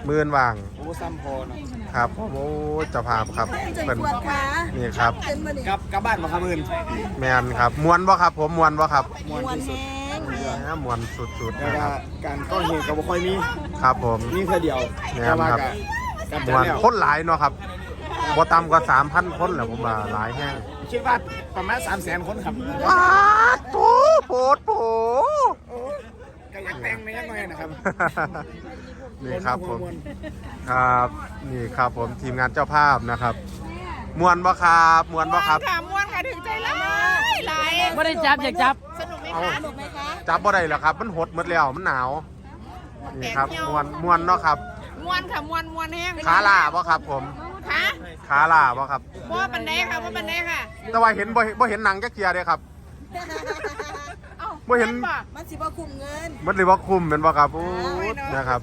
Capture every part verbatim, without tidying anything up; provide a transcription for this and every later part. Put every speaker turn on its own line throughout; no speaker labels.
มื่นว่าง
โอ้ซ้ำพอเนาะ
ครับผมโอ้เจ้าภาพครับ
ใจ
เป็น
ปวดขา
นี่ครับ
เป็นมาดิ
กลับกลับบ้านมาครับมื่น
แมนครับมวนบ่ครับผมมวนบ่ครับ
มวนแห้ง
แหมมวนสุดๆ
แต่
นะค
ว่า
รับ
การก้อนเหตุก็บ่ค่อยมี
ครับผม
นี่แค่เดียว
แม่น
แต่ว่า
ครับ
กับ
มวน
แล้ว
คนหลายเนาะครับบ่ต่ำกว่า สามพัน คนแหละผมว่าหลายแห้ง
คิดว่าประมาณสามแสนคนครับ
ว้าโถโผดโผ
ก็อยากแต่งในยังไงนะครับ
นี่ครับผม
วน
ครับนี่ครับผมทีมงานเจ้าภาพนะครับมวนบ่ครับมวนบ่ครับ
ค่ะม้วนค่ะถึงใจร้ายหลาย
ไม่ได้จับอยากจับ
สนุกไหม
เอา
คะ
สนุกไหมคะ
จับบ่ได้แล้วครับ มันหดหมดแล้วมันหนาวนี่ครับมวนมวนเนาะครับ
ม้วนค่ะม้วนม้วนแห้ง
ขาล่าบ่ครับผม
ค่ะ
ขาล่าบ่ครับ
บ่ปันไดค่ะบ่ปันไดค่ะ
แต่ว่าเห็นบ่บ่เห็นหนังจักเทียเด้ครับ
เอ้า
บ่เห็น
บ่
มันสิบ่คุมเงิน
มันเลยว่าคุมเป็นบ่ครับโอ้ยนะครับ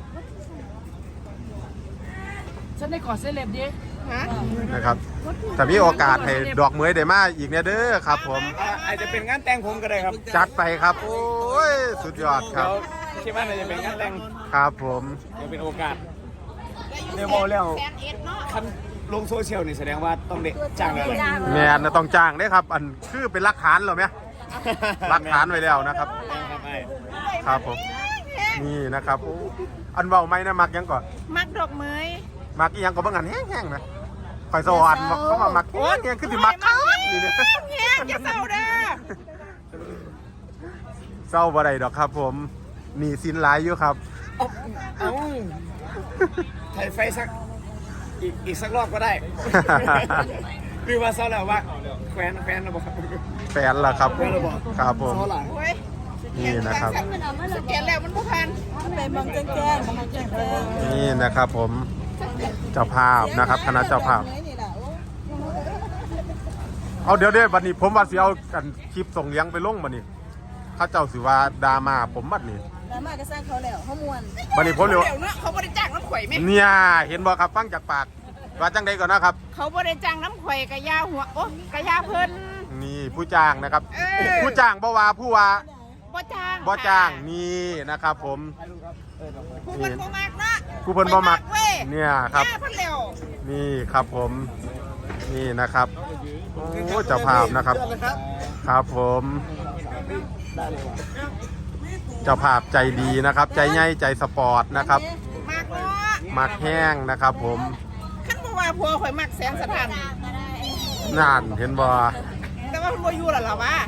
ฉันได้กอดเซเลบดิ
ฮะ
นะครับถ้ามีโอกาสให้ดอกเหมยได้มาอีกเนี่ยเด้อครับ ผม
อ่าอาจจะเป็นงานแต่งผมก็ได้ครับ
จัดไปครับ โอ้ยสุดยอดค
เดี๋
รั
ย
บ
วคิดว่าน่าจะเป็นงานแต่ง
ครับผม
เดี๋ยวเป็นโอกาส เดี๋ยวบอกแล้ว
แสนเอ็ดเนาะ
คันลงโซเชียลนี่แสดงว่าต้องเด็จ้างแล้วแหละ
แมนน่ะต้องจ้างเด้ครับ อันคือเป็นหลักฐานเหรอไหมหลักฐานไว้แล้วนะครับ
ครับไอ้
ครับผมนี่นะครับโอ้อันเบาไหมนะมักยังก่อน
มักดอกเมย
มักอีหยังก็บ่งันแห้งๆนะข่อยสวรรค์เขามามักแห้งๆคือสิมักคักนี่เนี่ย
แห้งอย่าเศร้าเด้อ
เศร้าบ่ได้ดอกครับ ผมหนีสินหลายอยู่ครับ
เอ้าไทยไฟสักอีกอีกสักรอบก็ได้ หรือว่าเศร้าแล้วว่าแควนแควนเราบอก
แฟนล่ะครับ
แควนเราบอก
ครับผม
เศร้าหลัง
โอ้ย
นี่นะครับ
สแกนแล้วมันบ่ทัน
มันไปมองแจ้งแจ้งมองแจ้งแจ้ง
นี่นะครับผมเจ้าภาพนะครับคณะเจ้าภาพ
นี่แหละโอ้
เอาเดี๋ยวเดี๋ยวบัดนี้ผมว่าสิเอากันคลิปส่งเลี้ยงไปลงบัดนี้เข้าเจ้าสิว่าดราม่าผมบัดนี้
แล้วมาก็สร้างเขาแล้วเขามวน
บัดนี้ผมเร็ว
เดี๋ยวเนาะเขาบ่ได้จ้างน้ำข่อยไหม
เนี่ยเห็นบ่ครับฟังจากปากว่าจังใดก่อนนะครับ
เขาบ่ได้จ้างน้ำข่อยกะยาหัวโอ้กะยาเพิ่น
นี่ผู้จ้างนะครับ
เออ
ผู้จ้างบ่ว่าผู้ว่า
บ่จ้าง
บ่จ้างนี่นะครับ ผม
ผู้เพิ่นบ่มักเนาะ
ผู้เพิ่นบ่มัก
เว้ย
เนี่ยครับ
ย่าเพิ่นเร็ว
นี่ครับผมนี่นะครับโอ้เจ้าภาพนะครับ ครับผมเจ้าภาพใจดีนะครับ ใจใหญ่ใจสปอร์ตนะครับ
มักเนาะ
มักแห้งนะครับ ผม
คันบ่ว่าผัวข่อยมักแสงสถาน
นานเห็นบ่
แต่ว่าเพิ่นบ่อยู่แล้วล่ะวะ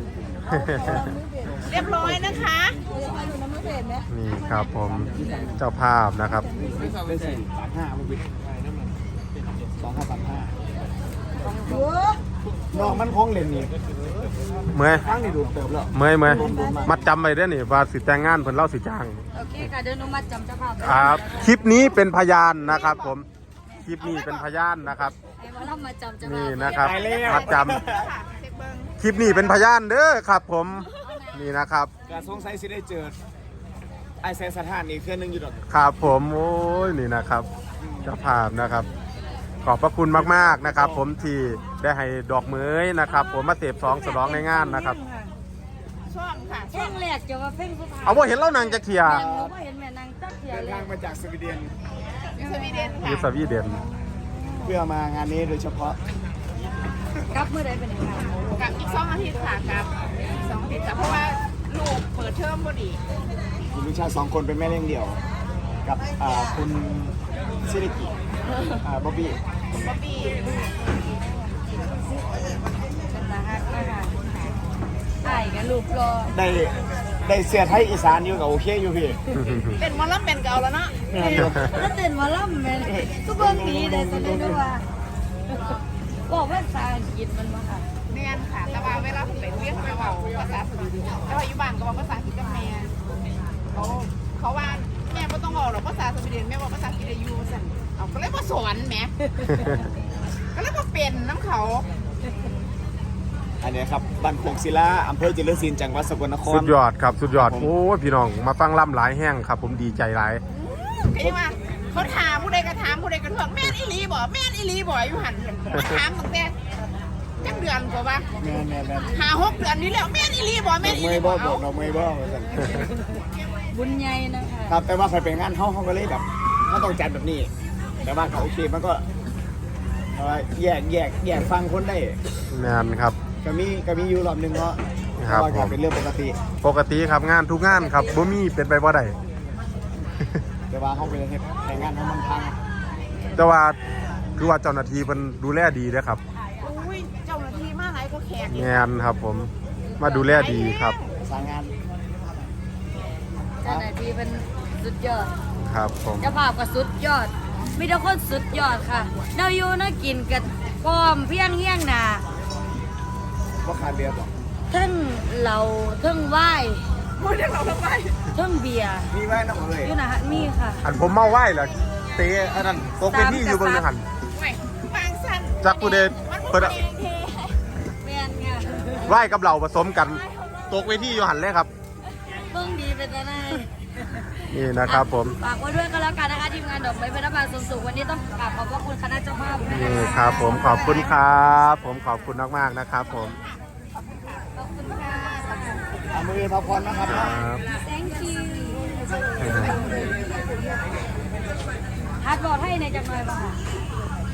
เรียบร้อยนะคะ
อยู่น้ำมือเพจไหม
นี่ครับผมเจ้าภาพนะครับ
ได้สี่สามห้ามันเป็นสองห้าสามห้า
โอ้
น้องมันคงเล่นนี่
เมื่อย
ตั้งนี่ดูเติมแล้ว
เมื่อยเมื่อยมัดจำไปได้อนี่ว่าสิแต่งงานเพิ่นเล่าสิจ้าง
โอเคค่ะเดี๋ยวหนูมาจำเจ้าภาพ
ครับคลิปนี้เป็นพยานนะครับ ผมคลิปนี้เป็นพยานนะครับ
ให้มาล่ำมาจำเจ้าภา
นี่
พ
นะครับ
ไปแล้ว
มัดจ
ค่ะเช็คเบิ่ง
ำคลิปนี้เป็นพยานเด้อครับ ผมนี่นะครับ
การสงสัยสิได้เจอไอแซนสถานนี่เครื่องนึงอยู่ดอก
ครับผมโอ้ยนี่นะครับเจ้าภาพนะครับ ขอบพระคุณมากๆนะครับ ผมที่ได้ให้ดอกเหมยนะครับ ผมมาเสพสองสลองในงานนะครับ
ช่องค่ะ
เพ่งแหลกจะว่าเพ่งผู้พา
เอาว่าเห็นเล่านางจะเขีย
แม่หนูก็เห็นแม่นางตักเขีย
เดิน
เลย
ทางมาจากสวีเดน
อยู่สวีเดน
อ
ค่ะ
ยูสวีเดน
เพื่อมางานนี้โดยเฉพาะ
กลับเมื่อใดเป็นยังไง
กับอีกสองอาทิตย์ค่ะกับสองอาทิตย์ค่ะเพราะว่าลูกเปิดเทอมพอดี
มีลูกชายสองคนเป็นแม่เลี้ยงเดี่ยว กับอ่าคุณซิริกิอ่าบ๊อบบี้
บ๊อบบี้
เป็นตาฮักนะคะไอ้กับลูกรอ
ได้ได้เสียไทยอีสานอยู่กับโอเคอยู่พี่
เป็นหมอลำเป็นเก่าแล้วเนาะ
งานอยู่
แล้วเต้นหมาล่ำแม่ก็เบิ่งดีเลยแสดงว่าบอกภาษาอังกฤษมันมาค่ะ
เรียนค่ะแต่ว่าเวลาผมไปเรียนเขาไม่บอกภาษาสวีเดนแต่ว่าอยู่บ้านก็บอกภาษาอังกฤษกับแม่เขาเขาว่าแม่ไม่ต้องบอกหรอกภาษาสวีเดนแม่บอกภาษาอังกฤษได้อยู่สั่นเอาก็เลยมาสอนแม่ก็เลยมาเป็นน้ำเขา
อันนี้ครับบ้านโคกศิลาอำเภอจิรศิลป์จังหวัดสกลนคร
สุดยอดครับสุดยอดโอ้ยพี่น้องมาฟังล่ำหลายแห้งครับ ผมดีใจหลาย
ก็ยังว่าเขาถามผู้ใดก็ถามผู้ใดก็ถามแม่นอีหลีบ่แม่นอีหลีบ่อยู่หันมาถามตั้งแต่จักเดือนกว่าว่า
แม่แม่แม่
หาหกเดือนนี้แล้วแม่นอีหลีบ่
ด
แม่
อน ก
อี
เม
หลี
ย์
บ่
บ่บ
เอา
อกดอกเมย์บ่ว่าซั่น
บุญใหญ่นะคะ
ครับแต่ว่าใครไปงานเฮาเฮาก็เลยแบบเขาต้องจัดแบบนี้ แต่ว่าเขาโอเคมันก็เอ่อแยกแยกแยกฟังคนได้
แมนครับ
ก็มีก็มีอยู่รอบหนึงเนาะ
ครับ
เพาะว่า
ผม
ก็เป็นเรื่องปกติ
ปกติครับงานทุกงานครับบ่มีเป็นไปบ่ได้
แต่ว่าเขาเป็นเหตุแต่งานเขามันพัง
แต่ว่าคือว่าเจ้าหน้าที่มันดูแลดีเด้อครับ
อุ้ยเจ้าหน้าที่มาไหนก็แขก
แมนครับผมมาดูแลดีครับ
ประสานงาน
เจ้าหน้าที่เป็นสุดยอด
ครับผม
เจ้าภาพก็สุดยอด มีแต่คนสุดยอดค่ะเนาอยู่เนากินกันพร้อมเพียงเฮียงหนา
ก็ขาดเรือบอก
เทั้งเหล้าเทั้งไวน์
พูดเรื่องเราทำไม
เทั้งเบียร์
มีไว้นะผมเลย
อยู่นะฮะมีค่ะ
อันผมเมาไหว้เหรอเตะอันนั้นตกเป็นที่อยู่บนเรือหัน
ไม่บางสั้น
จักผู้เดช
มัน
เปิ
พู
ด
ด
อะ
เองเท
แม่นค่ะ
ไหว้กับเหล่าผสมกันตกเวทีอยู่หันเลยครับ
เบิ่งดีเป็นจังได
นี่นะครับผม
ฝากไว้ด้วยก็แล้วกันนะคะทีมงานดอกไม้พระบาทสูงสุขวันนี้ต้องกราบขอบพระคุณคณะเจ้าภาพด้วย
นี่
นะคะ
ครับผมขอบคุณครับ ผมขอบคุณมากๆนะครับผม
ขอบคุณค่ะ
เอามือพักผ่อนนะครับ
ครับ
thank you ฮัดบอดให้ในจังหน่อยป่ะค่ะ